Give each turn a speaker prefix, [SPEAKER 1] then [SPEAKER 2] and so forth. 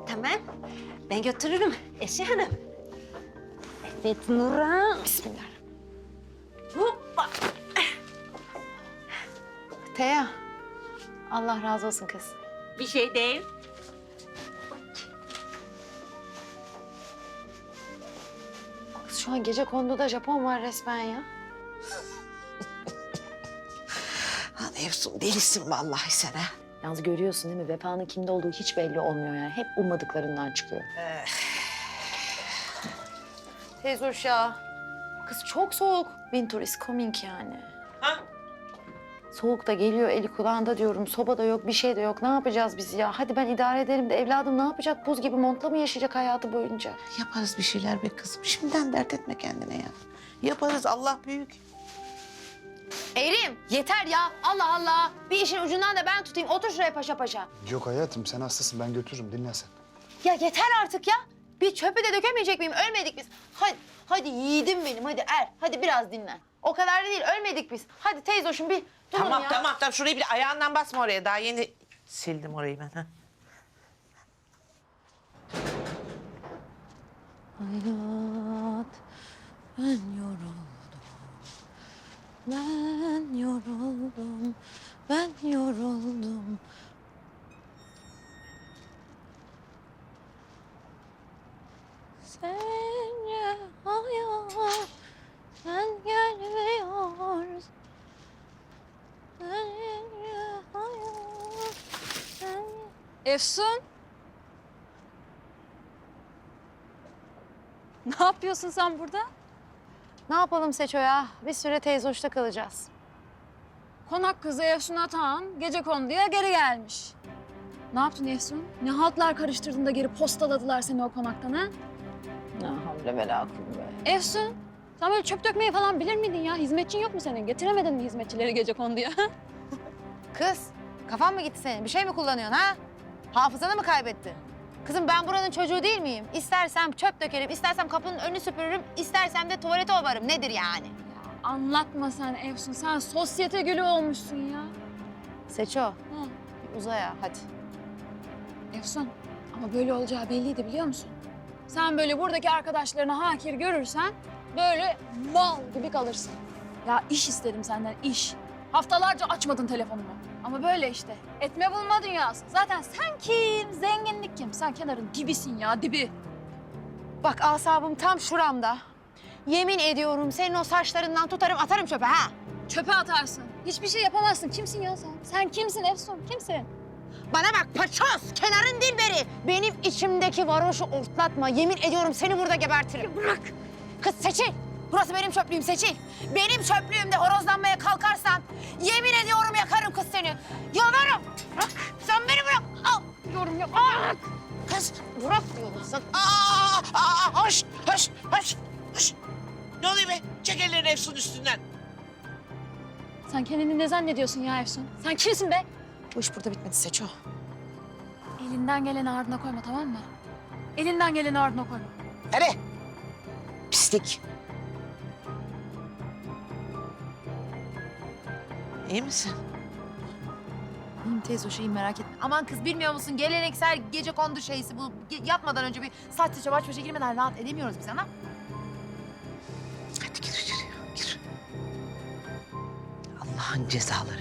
[SPEAKER 1] Tamam. Ben götürürüm Eşe Hanım. Evet Nurhan.
[SPEAKER 2] Bismillah.
[SPEAKER 1] Hoppa.
[SPEAKER 2] Teya. Allah razı olsun kız.
[SPEAKER 1] Bir şey değil.
[SPEAKER 2] Kız şu an gecekonduda Japon var resmen ya.
[SPEAKER 3] Lan Efsun delisin vallahi sen ha.
[SPEAKER 2] Yalnız görüyorsun değil mi? Vefanın kimde olduğu hiç belli olmuyor yani. Hep ummadıklarından çıkıyor. Teyze uşağı. Kız çok soğuk. Winter is coming yani.
[SPEAKER 3] Ha?
[SPEAKER 2] Soğuk da geliyor eli kulağında diyorum. Soba da yok, bir şey de yok. Ne yapacağız biz ya? Hadi ben idare ederim de evladım ne yapacak? Buz gibi montla mı yaşayacak hayatı boyunca?
[SPEAKER 3] Yaparız bir şeyler be kızım. Şimdiden dert etme kendine ya. Yaparız, Allah büyük.
[SPEAKER 2] Erim yeter ya. Allah Allah. Bir işin ucundan da ben tutayım. Otur şuraya paşa paşa.
[SPEAKER 4] Yok hayatım sen hastasın ben götürürüm dinle sen.
[SPEAKER 2] Ya yeter artık ya. Bir çöpü de dökemeyecek miyim? Ölmedik biz. Hadi yiğidim benim. Hadi hadi biraz dinlen. O kadar da değil. Ölmedik biz. Hadi teyzoşum bir durun
[SPEAKER 3] Tamam
[SPEAKER 2] ya.
[SPEAKER 3] tamam tamam. Şurayı bir ayağından basma oraya. Daha yeni sildim orayı ben. Ha.
[SPEAKER 2] Hayat, ben yoruldum. Ben yoruldum. Ben yoruldum. Sence hayat, sen gelmiyorsun. Sence hayat, sen...
[SPEAKER 5] Efsun. Ne yapıyorsun sen burada?
[SPEAKER 2] Ne yapalım Seço ya? Bir süre teyzoşta kalacağız.
[SPEAKER 5] Konak kızı Efsun Atahan gecekonduya geri gelmiş. Ne yaptın Efsun? Ne haltlar karıştırdın da geri postaladılar seni o konaktan ha?
[SPEAKER 2] Ne havle ve la kuvve.
[SPEAKER 5] Efsun, sen böyle çöp dökmeyi falan bilir miydin ya? Hizmetçin yok mu senin? Getiremedin mi hizmetçileri gecekonduya?
[SPEAKER 2] Kız, kafan mı gitti senin? Bir şey mi kullanıyorsun ha? Hafızanı mı kaybettin? Kızım ben buranın çocuğu değil miyim? İstersem çöp dökerim, istersem kapının önünü süpürürüm, istersem de tuvalete ovarım. Nedir yani?
[SPEAKER 5] Anlatma sen Efsun, sen sosyete gülü olmuşsun ya.
[SPEAKER 2] Seço, bir uza ya hadi.
[SPEAKER 5] Efsun, ama böyle olacağı belliydi biliyor musun? Sen böyle buradaki arkadaşlarını hakir görürsen böyle mal gibi kalırsın. Ya iş istedim senden, iş. Haftalarca açmadın telefonumu. Ama böyle işte, etme bulma dünyası. Zaten sen kim, zenginlik kim? Sen kenarın dibisin ya, dibi.
[SPEAKER 2] Bak asabım tam şuramda. Yemin ediyorum senin o saçlarından tutarım atarım çöpe ha.
[SPEAKER 5] Çöpe atarsın. Hiçbir şey yapamazsın. Kimsin ya sen? Sen kimsin Efsun, kimsin?
[SPEAKER 2] Bana bak paçoz, kenarın dilberi. Benim içimdeki varoşu ortlatma. Yemin ediyorum seni burada gebertirim. Bırak. Kız Seçil, burası benim çöplüğüm Seçil. Benim çöplüğümde horozlanmaya kalkarsan yemin ediyorum yakarım kız seni. Yalvarırım. Bırak, sen beni bırak. Al, diyorum ya. Bırak. Kız bırak diyorum sen.
[SPEAKER 3] Hoş, hoş, hoş, hoş. Ne oluyor be? Çek ellerini Efsun üstünden.
[SPEAKER 5] Sen kendini ne zannediyorsun ya Efsun? Sen kimsin be?
[SPEAKER 2] Bu iş burada bitmedi Seço.
[SPEAKER 5] Elinden geleni ardına koyma, tamam mı? Elinden geleni ardına koyma.
[SPEAKER 3] Hadi. Pislik. İyi misin?
[SPEAKER 2] İyiyim teyze o şeyi merak etme. Aman kız bilmiyor musun geleneksel gecekondu şeysi bu. Yatmadan önce bir saç saça baş başa girmeden rahat edemiyoruz biz ana.
[SPEAKER 3] Hadi gir içeri, gir. Allah'ın cezaları.